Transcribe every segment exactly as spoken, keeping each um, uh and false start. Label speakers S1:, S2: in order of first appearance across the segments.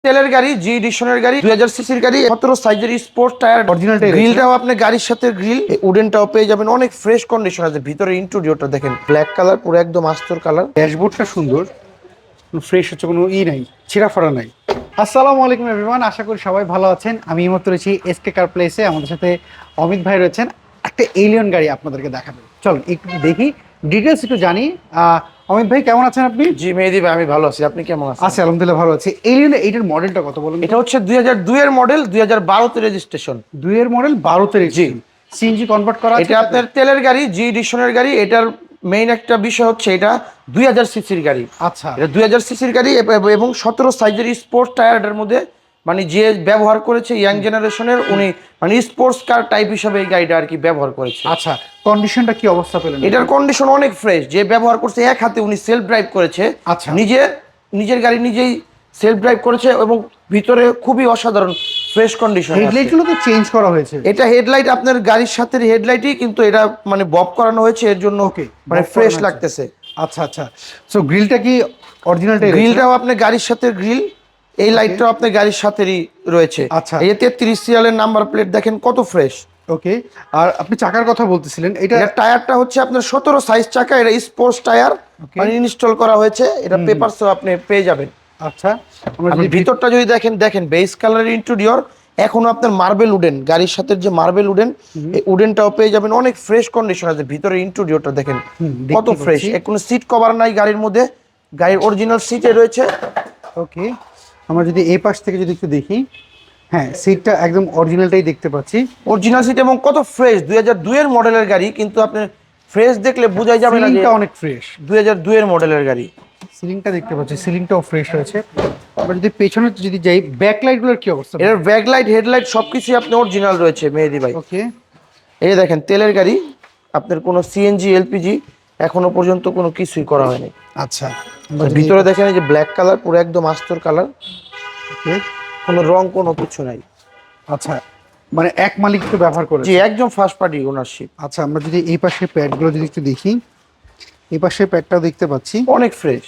S1: তেলের গাড়ি, জি এডিশনের গাড়ি, দুই হাজার সিসির গাড়ি, সতেরো সাইজের স্পোর্টস টায়ার,
S2: অরিজিনাল টায়ার।
S1: গ্রিলটাও আপনি গাড়ির সাথে গ্রিল, উডেনটাও পেয়ে যাবেন। অনেক ফ্রেশ কন্ডিশন আছে। ভিতরে ইন্টেরিয়রটা দেখেন, ব্ল্যাক কালার, পুরো একদম আস্তর কালার।
S2: ড্যাশবোর্ডটা সুন্দর, ফ্রেশ হচ্ছে, কোনো ই নাই, ছেঁড়া ফাড়া নাই। আসসালামু আলাইকুম এভরিওয়ান, আশা করি সবাই ভালো আছেন। আমি এই মুহূর্তে রয়েছি এসকে কার প্লেসে। আমাদের সাথে অমিত ভাই রয়েছেন। একটা এলিয়ন গাড়ি আপনাদেরকে দেখাবেন, চলুন একটু দেখি, ডিটেলস একটু জানি। আহ, অমিত ভাই কেমন আছেন আপনি?
S1: জি মেহেদি ভাই, আমি ভালো আছি। আপনি কেমন আছেন?
S2: আচ্ছা, আলহামদুলিল্লাহ ভালো আছি। এলিয়ন এইটার মডেলটা কত বলুন?
S1: এটা হচ্ছে দুই হাজার দুই এর মডেল, দুই হাজার বারোতে রেজিস্ট্রেশন।
S2: দুই এর মডেল, বারোতে
S1: জি।
S2: সিএনজি কনভার্ট করা আছে
S1: এটা আপনার তেলের গাড়ি, জি এডিশনের গাড়ি। এটার মেইন একটা বিষয় হচ্ছে এটা দুই হাজার সিসির গাড়ি।
S2: আচ্ছা,
S1: এটা দুই হাজার সিসির গাড়ি এব- এবং সতেরো সাইজের স্পোর্টস টায়ারের মধ্যে, মানে যে ব্যবহার করেছে ইয়াং জেনারেশনের, উনি মানে স্পোর্টস কার টাইপ হিসাবে এই গাড়িটা আর কি ব্যবহার করেছে।
S2: আচ্ছা, কন্ডিশনটা কি অবস্থা পেলেন?
S1: এটার কন্ডিশন অনেক ফ্রেশ। যে ব্যবহার করছে এক হাতে উনি সেলফ ড্রাইভ করেছে।
S2: আচ্ছা।
S1: নিজে নিজের গাড়ি নিজেই সেলফ ড্রাইভ করেছে এবং ভিতরে খুবই অসাধারণ ফ্রেশ কন্ডিশন।
S2: হেডলাইটগুলো তো চেঞ্জ করা হয়েছে।
S1: এটা হেডলাইট আপনার গাড়ির সাথে হেডলাইটই, কিন্তু এটা মানে বব করানো হয়েছে এর জন্য,
S2: ওকে,
S1: মানে ফ্রেশ লাগতেছে।
S2: আচ্ছা আচ্ছা। সো গ্রিলটা কি অরিজিনাল টাইপ?
S1: গ্রিলটাও আপনার গাড়ির সাথে গ্রিল, এই লাইটটাও আপনার গাড়ির সাথেই রয়েছে।
S2: আচ্ছা।
S1: এই তেত্রিশ সিরিয়ালের নাম্বার প্লেট দেখেন কত ফ্রেশ।
S2: ওকে, আর আপনি চাকার কথা বলতেছিলেন, এটা
S1: এটা টায়ারটা হচ্ছে আপনার সতেরো সাইজ চাকা, এটা স্পোর্টস টায়ার, মানে ইনস্টল করা হয়েছে। এটা পেপারসও আপনি পেয়ে যাবেন।
S2: আচ্ছা, আমরা
S1: আপনি
S2: যদি
S1: ভিতরটা যদি দেখেন, দেখেন বেস কালারের ইন্টেরিয়র, এখনো আপনার মার্বেল উডেন, গাড়ির সাথে যে মার্বেল উডেন, এই উডেনটাও পেয়ে যাবেন। অনেক ফ্রেশ কন্ডিশন আছে। ভিতরে ইন্টেরিয়রটা দেখেন কত
S2: দেখতে
S1: ফ্রেশ।
S2: পাচ্ছি।
S1: কোনো সিট কভার নাই গাড়ির মধ্যে, গাড়ির অরিজিনাল সিটে রয়েছে।
S2: ওকে, আমরা যদি এই পাশ থেকে যদি একটু দেখি, হ্যাঁ সিটটা একদম অরিজিনালটাই দেখতে পাচ্ছি।
S1: অরিজিনাল সিট এবং কত ফ্রেশ। দুই হাজার দুই এর মডেলের গাড়ি, কিন্তু আপনি ফ্রেশ দেখলে বোঝাই যাবে না যে
S2: সিলিংটা অনেক ফ্রেশ।
S1: দুই হাজার দুই এর মডেলের গাড়ি।
S2: সিলিংটা দেখতে পাচ্ছি, সিলিংটাও ফ্রেশ রয়েছে। আমরা যদি পেছনে যদি যাই, ব্যাকলাইটগুলোর কি অবস্থা?
S1: এর ব্যাকলাইট, হেডলাইট সবকিছুই আপনি অরিজিনাল রয়েছে মেহেদি ভাই।
S2: ওকে,
S1: এই দেখেন তেলের গাড়ি, আপনার কোনো সিএনজি এলপিজি এখনো পর্যন্ত কোনো কিছুই করা হয়নি।
S2: আচ্ছা।
S1: ভিতরে দেখেন এই যে ব্ল্যাক কালার, পুরো একদম আস্তর কালার,
S2: ওকে,
S1: কোনো রং কোনো কিছু নাই।
S2: আচ্ছা, মানে এক মালিক তো ব্যবহার করে।
S1: জি, একদম ফার্স্ট পার্টি ওনারশিপ।
S2: আচ্ছা, আমরা যদি এই পাশে প্যাডগুলো যদি একটু দেখি, এই পাশে প্যাডটাও দেখতে পাচ্ছি,
S1: অনেক ফ্রেশ।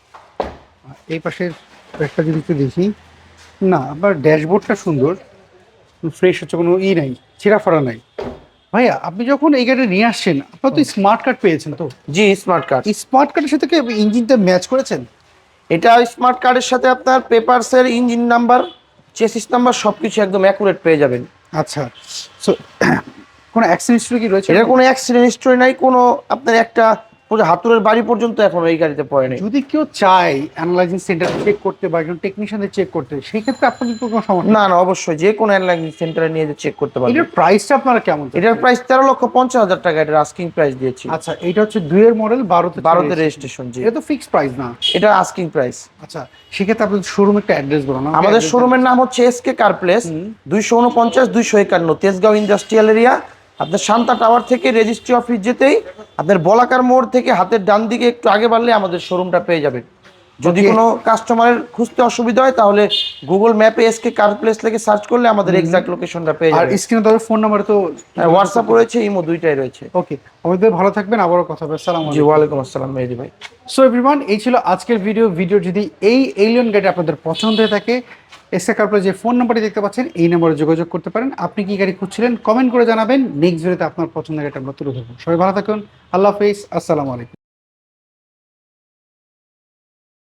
S2: এই পাশের প্যাডটা যদি একটু দেখি, না আবার ড্যাশবোর্ডটা সুন্দর, ফ্রেশ হচ্ছে, কোনো ই নাই, ছেঁড়া ফাড়া নাই। ভাইয়া, আপনি যখন এই গাড়ি নিয়ে আসছেন, আপনার তো স্মার্ট কার্ড পেয়েছেন, তো
S1: জি, স্মার্ট কার্ড।
S2: এই স্মার্ট কার্ডের সাথে কি ইঞ্জিনটা ম্যাচ করেছেন?
S1: এটা স্মার্ট কার্ডের সাথে আপনার পেপারসের ইঞ্জিন নাম্বার, চেসিস নাম্বার সবকিছু একদম অ্যাকুরেট পেয়ে যাবেন।
S2: আচ্ছা, সো কোনো অ্যাক্সিডেন্ট হিস্ট্রি কি রয়েছে?
S1: এটা কোনো অ্যাক্সিডেন্ট হিস্টরি নাই, কোনো আপনার একটা পুরো হাতুড়ের বাড়ি পর্যন্ত এখন এই গাড়িতে পড়ে নাই।
S2: যদি কেউ চায় অ্যানালাইজিং সেন্টার চেক করতে বা একজন টেকনিশিয়ানদের চেক করতে, সেই ক্ষেত্রে আপনাদের তো কোনো সমস্যা
S1: না না, অবশ্যই যে কোনো এয়ারলাইন সেন্টারে নিয়ে চেক করতে পারবেন।
S2: এটার প্রাইসটা আপনারা কেমন?
S1: এটার প্রাইস তেরো লক্ষ পঞ্চাশ হাজার টাকা, এটার আস্কিং প্রাইস দিয়েছি।
S2: আচ্ছা, এটা হচ্ছে দুইয়ের মডেল, বারোতে
S1: বারোতে রেজিস্ট্রেশন। জি,
S2: এটা তো ফিক্সড প্রাইস না,
S1: এটা আস্কিং প্রাইস।
S2: আচ্ছা, সেক্ষেত্রে আপনাদের শোরুম একটা অ্যাড্রেস বলো না।
S1: আমাদের শোরুমের নাম হচ্ছে এসকে কার প্লেস, দুইশো উনপঞ্চাশ দুইশো একান্ন তেজগাঁও ইন্ডাস্ট্রিয়াল এরিয়া। আপনার শান্তা টাওয়ার থেকে রেজিস্ট্রি অফিস যেতেই আপনার বলাকার মোড় থেকে হাতের ডান দিকে একটু আগে বাড়লে আমাদের শোরুমটা পেয়ে যাবেন। যদি
S2: Okay.
S1: কোনো কাস্টমারের খুঁজতে অসুবিধা হয়, তাহলে গুগল ম্যাপে এসকে কার প্লেস লিখে সার্চ করলে আমাদের এক্সাক্ট লোকেশনটা পেয়ে
S2: আর
S1: যাবেন।
S2: স্ক্রিনে তাদের ফোন নাম্বার তো।
S1: হোয়াটসঅ্যাপ রয়েছে, ইমো দুইটাই রয়েছে।
S2: ওকে, আমাদের ভালো থাকবেন, আবারও কথা হবে। আসসালামু
S1: জি,
S2: আলাইকুম।
S1: ওয়ালাইকুম আসসালাম মেহেদি ভাই।
S2: সো এভরিওয়ান, এই ছিল আজকের ভিডিও। ভিডিও যদি এই এলিয়ন গাড়ি আপনাদের পছন্দ হয়ে থাকে, এসকে কারপ্লেস যে ফোন নাম্বারটি দেখতে পাচ্ছেন, এই নাম্বারে যোগাযোগ করতে পারেন। আপনি কি গাড়ি খুঁজছিলেন, কমেন্ট করে জানাবেন। নেক্সট ভিডিওতে আপনার পছন্দের গাড়িটা আমরা তুলে ধরবো। সবাই ভালো থাকুন, আল্লাহ হাফিজ, আসসালামু আলাইকুম।